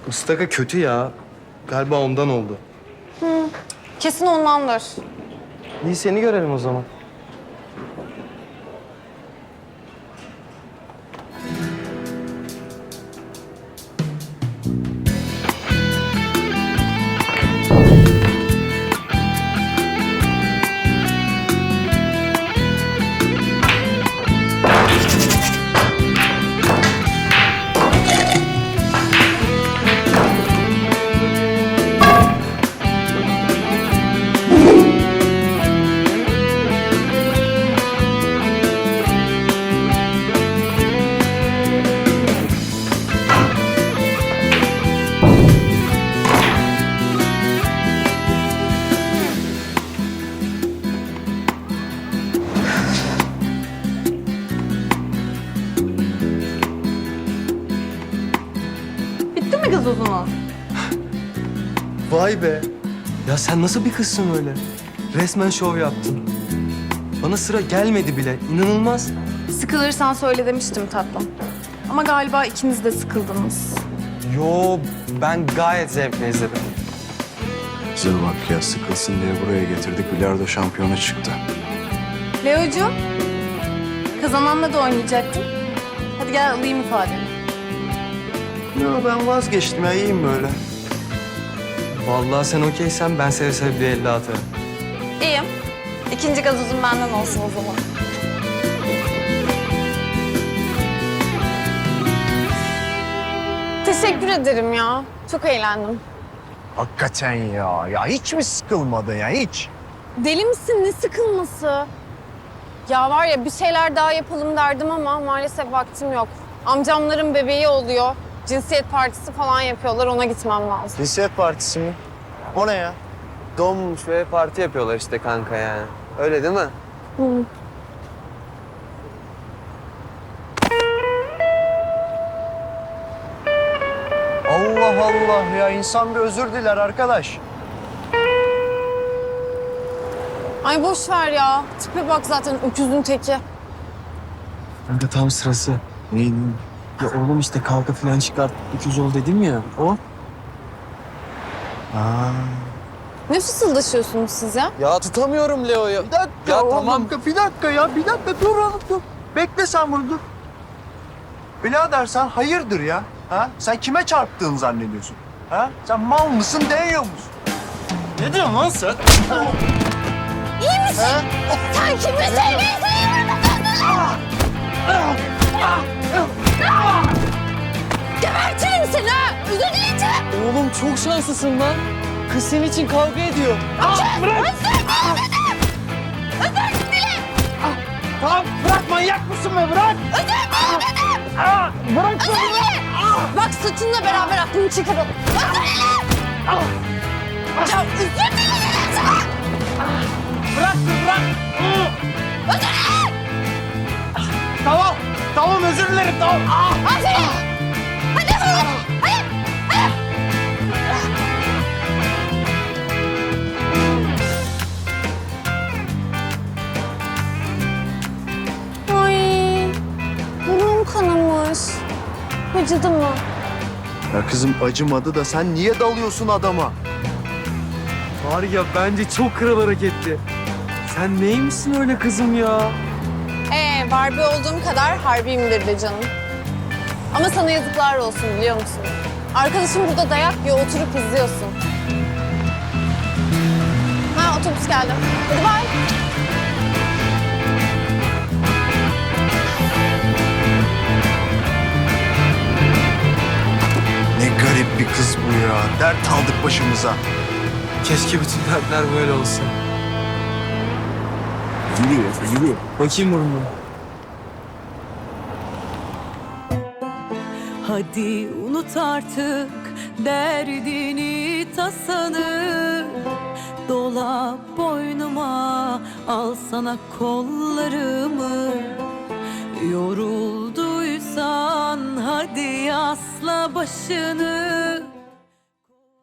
Istaka kötü ya. Galiba ondan oldu. Kesin ondandır. İyi seni görelim o zaman. Bitti mi gazozunuz? Vay be. Ya sen nasıl bir kızsın öyle? Resmen şov yaptın. Bana sıra gelmedi bile. İnanılmaz. Sıkılırsan söyle demiştim tatlım. Ama galiba ikiniz de sıkıldınız. Yo, ben gayet zevkle izledim. Bize bak ya, sıkılsın diye buraya getirdik. Bilardo şampiyonu çıktı. Leo'cuğum, kazananla da oynayacaktın. Hadi gel alayım ifadeni. Yo, ben vazgeçtim ya. İyiyim böyle. Vallahi sen okeysen ben seve seve bir 50 atarım. İyiyim. İkinci gazozun benden olsun o zaman. Teşekkür ederim ya. Çok eğlendim. Hakikaten ya. Ya hiç mi sıkılmadın ya hiç? Deli misin? Ne sıkılması? Ya var ya bir şeyler daha yapalım derdim ama maalesef vaktim yok. Amcamların bebeği oluyor. Cinsiyet partisi falan yapıyorlar. Ona gitmem lazım. Cinsiyet partisi mi? O ne ya? Donmuş ve parti yapıyorlar işte kanka yani. Öyle değil mi? Allah Allah ya, insan bir özür diler arkadaş. Ay boş ver ya. Tipe bak zaten öküzün teki. Kanka tam sırası. Neyin? Ya oğlum işte kavga falan çıkart. 200 ol dedim ya. O. Aa. Ne fısıldaşıyorsunuz siz ya? Ya tutamıyorum Leo'yu. Bir dakika Ya oğlum, tamam. bir dakika ya, bir dakika dur oğlum dur. Bekle sen bunu dur. Birader sen hayırdır ya? Ha? Sen kime çarptığını zannediyorsun? Ha? Sen mal mısın, değiyor musun? Ne diyorsun lan sen? İyi misin? Ha? Sen kimi sevgilisin? Gebertirim seni ha! Özür dileyeceğim! Oğlum çok şanslısın lan. Kız senin için kavga ediyor. Bırak! Özür dilerim! Özür dilerim! Tamam bırak, manyak mısın be, bırak! Özür dilerim! Bırak Özür dilerim! Bak saçınla beraber aklını çıkaralım. Özür dilerim! Ya özür dilerim sana! Bırak, bırak! Özür dilerim! Tamam, tamam özür dilerim, tamam. Aferin! Hadi hadi! Hadi! Ay, burnum kanamış. Acıdı mı? Ya kızım acımadı da sen niye dalıyorsun adama? Var ya bence çok kral hareketti. Sen neymişsin öyle kızım ya? Barbie olduğum kadar harbiyimdir be canım. Ama sana yazıklar olsun biliyor musun? Arkadaşım burada dayak yiyor, oturup izliyorsun. Ha, otobüs geldi. Hadi bay. Ne garip bir kız bu ya. Dert aldık başımıza. Keşke bütün dertler böyle olsa. Yürüyor. Bakayım burnuma. Hadi unut artık derdini tasanı. Dola boynuma, al sana kollarımı. Yorulduysan hadi yasla başını.